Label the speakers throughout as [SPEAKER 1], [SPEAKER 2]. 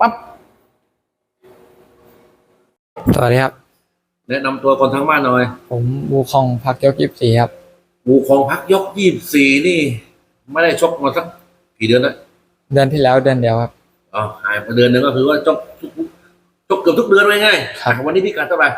[SPEAKER 1] ปั๊บ
[SPEAKER 2] สวัสดีครับ
[SPEAKER 1] แนะนำตัวคนทั้งบ้านหน่อย
[SPEAKER 2] ผมบูคองพักยก24ครับ
[SPEAKER 1] บูคองพักยก24นี่ไม่ได้ชกมาสักกี่เดือนแล้ว
[SPEAKER 2] เดือนที่แล้วเดือนเดียวครับ
[SPEAKER 1] อ๋อหายไปเดือนนึงก็คือว่าชกเกือบทุกเดือนเลยไง
[SPEAKER 2] ครับ
[SPEAKER 1] วันนี้พิกัดเท่าไหร่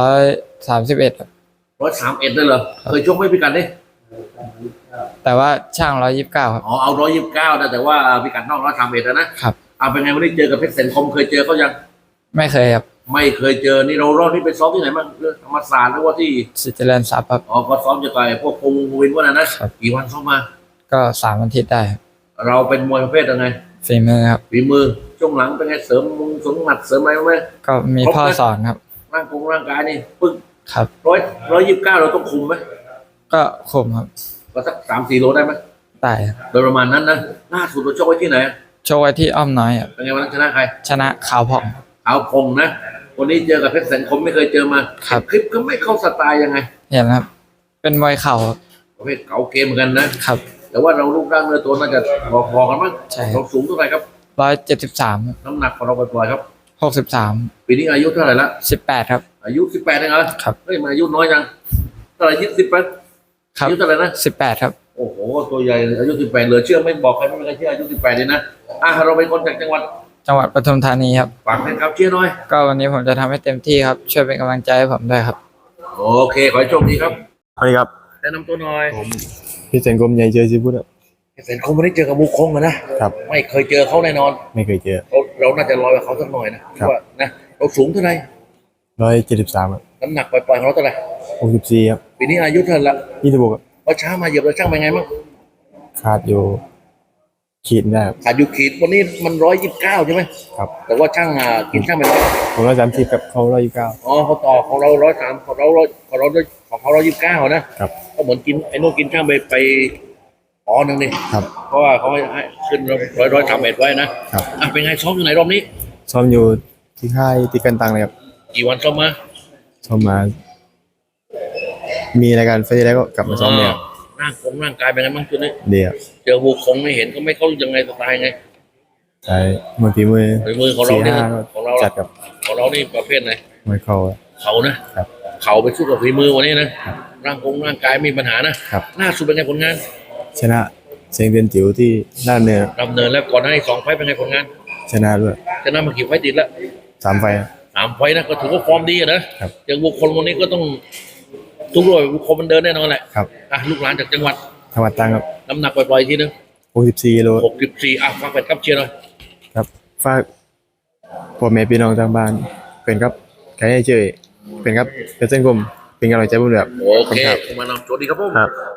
[SPEAKER 2] 131ครับ
[SPEAKER 1] 131เลยเหรอเคยชกไม่พิกัดนี่
[SPEAKER 2] แต่ว่าช่าง129ครับ
[SPEAKER 1] อ๋อเอา129นะแต่ว่าพิกัดนอก131นะครับเอาเป็นไงวันนี้เจอกับเพชรแสนคมเคยเจอเขายัง
[SPEAKER 2] ไม่เคยครับ
[SPEAKER 1] ไม่เคยเจอนี่เรารอบนี้ไปซ้อมที่ไหนบ้างธรรมศาสตร์หรือว่าที่
[SPEAKER 2] สิทธิ์เจริญทรัพย์ครับ
[SPEAKER 1] อ๋อก็ซ้อมจะต่อยพวกพงวินว่านะครับกี่วันซ้อมมา
[SPEAKER 2] ก็3 อาทิตย์ได้ครับ
[SPEAKER 1] เราเป็นมวยประเภทยังไง
[SPEAKER 2] ฝีมือครับ
[SPEAKER 1] ฝีมือช่วงหลังเป็นไงเสริมมุงสมหมัดเสริมอะไรไหม
[SPEAKER 2] ก็มีพ่อสอนครับ
[SPEAKER 1] ร่างกายนี่ปึ๊ก
[SPEAKER 2] ครับ
[SPEAKER 1] 129เราต้องคุมไหม
[SPEAKER 2] ก็คุมครับ
[SPEAKER 1] ก็สัก3-4 โลได้ไหม
[SPEAKER 2] ได้ครับ
[SPEAKER 1] โดยประมาณนั้นนะล่าสุดเราชกไว้ที่ไหน
[SPEAKER 2] โชว์ไว้ที่อ้อมน้อยครับ
[SPEAKER 1] เป็นไงวันนั้นชนะใคร
[SPEAKER 2] ชนะขาวผ่อง
[SPEAKER 1] ขาวพงนะวันนี้เจอกับเพชรแสนคมไม่เคยเจอมา
[SPEAKER 2] ครับ
[SPEAKER 1] คลิปก็ไม่เข้าสไตล์ยังไง
[SPEAKER 2] เห็นครับเป็นมวยเข่าครับ
[SPEAKER 1] ประเภทเก่าเกมเหมือนกันนะครับแต่ว่าเรารูปร่างเนื้อตัวน่าจะพอกันมั้ง
[SPEAKER 2] ใช่
[SPEAKER 1] เราสูงเท่าไหร่ครับ
[SPEAKER 2] 173
[SPEAKER 1] น้ำหนักของเราปล่อยๆครับ
[SPEAKER 2] 63
[SPEAKER 1] ปีนี้อายุเท่าไหร่ละ
[SPEAKER 2] 18ครับ
[SPEAKER 1] อายุ18เองเหรอ
[SPEAKER 2] ครับ
[SPEAKER 1] เฮ้ยมาอายุน้อยจังเท่าไหร่20ไป
[SPEAKER 2] ครับ
[SPEAKER 1] อายุเท่าไหร่นะ
[SPEAKER 2] 18ครับ
[SPEAKER 1] โอ้โหตัวใหญ่อายุ18เหลือเชื่อไม่บอกใครไม่มีใครเชื่ออายุ18เลยนะเราเป็นคนจากจังหวัด
[SPEAKER 2] ปทุมธานีครับ
[SPEAKER 1] ฝากแฟนคลับเชียร์หน่อย
[SPEAKER 2] ก็วันนี้ผมจะทำให้เต็มที่ครับช่วยเป็นกำลังใจให้ผมด้วยครับ
[SPEAKER 1] โอเคขอให้โชคดีครับ
[SPEAKER 3] สวัสดีครับ
[SPEAKER 1] แนะนำตัวหน่อย
[SPEAKER 3] ผมพี่เซนกรมใหญ่เจอซิบุตร
[SPEAKER 1] เซนคงไม่ได้เจอกับบุคคงนะครับไม่เคยเจอเขาแน่นอน
[SPEAKER 3] ไม่เคยเจอ
[SPEAKER 1] เราน่าจะลอยกับเขาสักหน่อยนะว่านะเราสูงเท่าไหร่
[SPEAKER 3] 173ครับ
[SPEAKER 1] น้ำหนักปล่อยๆของเราเท่าไหร่
[SPEAKER 3] 64ครับ
[SPEAKER 1] ปีนี้อายุเท่าไหร่ละ
[SPEAKER 3] 26ครับ
[SPEAKER 1] ว่าช้ามาเหยียบแล้วช่างเป็นไงมั้ง
[SPEAKER 3] ขาดอยู่ขีดได้ครับ
[SPEAKER 1] ขาดอยู่ขีดวันนี้มัน129ใช่ไหม
[SPEAKER 3] ครับ
[SPEAKER 1] แต่ว่าช่างกินช่างเป็น
[SPEAKER 3] ผม130กับเขา129
[SPEAKER 1] อ๋อเขาต่อของเรา103ของเรา129นะครับก็เหมือนกินไอ้นู่นกินช่างไปนึงนี่
[SPEAKER 3] ครับ
[SPEAKER 1] เพราะว่าเขาให้ขึ้น131ไว้นะครับเป็นไงซ้อมอยู่ไหนรอบนี้
[SPEAKER 3] ซ้อมอยู่ที่ค่ายติกันตังเลยครับ
[SPEAKER 1] กี่วันซ้อมมา
[SPEAKER 3] มีรายการไฟแล้วก็กลับมาซ้อมเนี่ย
[SPEAKER 1] ร่างกายเป็นไงบ้างจุดนี้
[SPEAKER 3] เดี๋ยว
[SPEAKER 1] เจอบุคคงไม่เห็นก็ไม่เข้ายังไงสไตล์ไง
[SPEAKER 3] ใช่ฝีมือ
[SPEAKER 1] ของเราเนี่ย
[SPEAKER 3] จัดกับ
[SPEAKER 1] ของเรานี่ประเภทไหน
[SPEAKER 3] มวยเขา
[SPEAKER 1] นะครับเขาไปสู้กับฝีมือวันนี้นะร่างกายมีปัญหานะครับล่าสุดเป็นไงผลงาน
[SPEAKER 3] ชนะเสียงเดือนจิ๋วที่ด้านเนิน
[SPEAKER 1] ดำเนินแล้วก่อนหน้านี้2 ไฟต์เป็นไงผลงาน
[SPEAKER 3] ชนะด้วย
[SPEAKER 1] ชนะมากี่ไฟต์ติดแล้ว
[SPEAKER 3] 3 ไฟต์
[SPEAKER 1] 3 ไฟต์นะก็ถือว่าฟอร์มดีนะครับอย่างบุคคลวันนี้ก็ต้องทุกรอยบุคคลมันเดินแน่นอนแหละ
[SPEAKER 3] ครับ
[SPEAKER 1] ลูกหลานจากจังหวัด
[SPEAKER 3] ตรังครับ
[SPEAKER 1] น้ำหนักปล่อยๆทีนึง
[SPEAKER 3] 64 กิโล
[SPEAKER 1] ฝากแฟนคลับเชียร์หน่อย
[SPEAKER 3] ครับฝากพ่อแม่พี่น้องทางบ้านเป็นครับใครให้ช่วยเป็นครับเป็นเส้นกลมเป็นกำลังใจผมด้วย
[SPEAKER 1] โอเคมานำโชคดีครับผม